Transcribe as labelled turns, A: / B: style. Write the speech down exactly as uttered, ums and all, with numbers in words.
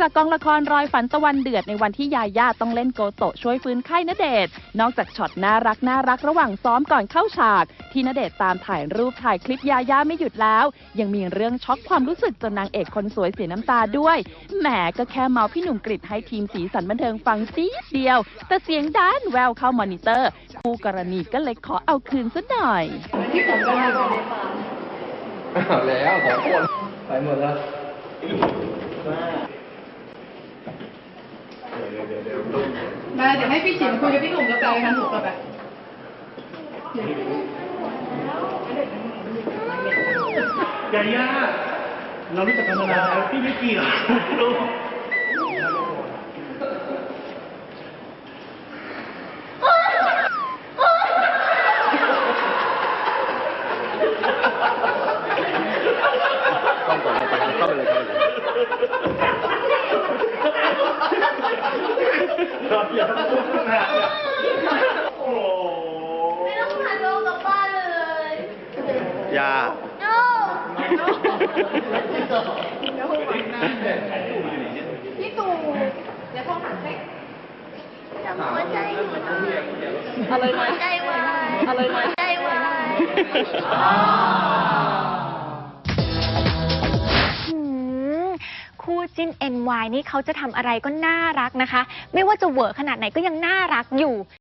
A: จากกองละครรอยฝันตะวันเดือดในวันที่ยาย่าต้องเล่นโกโตะช่วยฟื้นไข้ณเดชน์นอกจากช็อตน่ารักน่ารักระหว่างซ้อมก่อนเข้าฉากที่ณเดชน์ตามถ่ายรูปถ่ายคลิปยาย่าไม่หยุดแล้วยังมีเรื่องช็อกความรู้สึกจนนางเอกคนสวยเสียน้ำตาด้วยแหมก็แค่เมาพี่หนุ่มกฤษให้ทีมสีสันบันเทิงฟังซีดเดียวแต่เสียงด้านแววเข้ามอนิเตอร์คู่กรณีก็เลยขอเอาคืนซะหน่อย
B: ที่ผมก็ได้มา
C: เอาแล้วสองคนไปหมดแล้ว
B: มาเดี๋ยวให้พี่ฉิมคุยกับพี่หนุ่มแล้วไปกันถูกป่ะแบบ
D: ยาย่าเรารู้จักกันมานานแล้วพี่ไม่กี่หรอกลูก
C: ต้องก่อนเราไปเข้าไปเลยเข้าไปเลย
D: อย่าต้องพูดขนาดนี้โอ้
E: ไม่ต้องพาโลกกลับบ้านเลย
C: ยา
E: โน้พี่ตู่เดี๋ยวพ่อหันให้จำหัวใจหัวใจอะไรหัวใจวายอะไรหัวใจวาย
F: คู่จิ้น เอ็น วาย นี่เขาจะทำอะไรก็น่ารักนะคะไม่ว่าจะเวอร์ขนาดไหนก็ยังน่ารักอยู่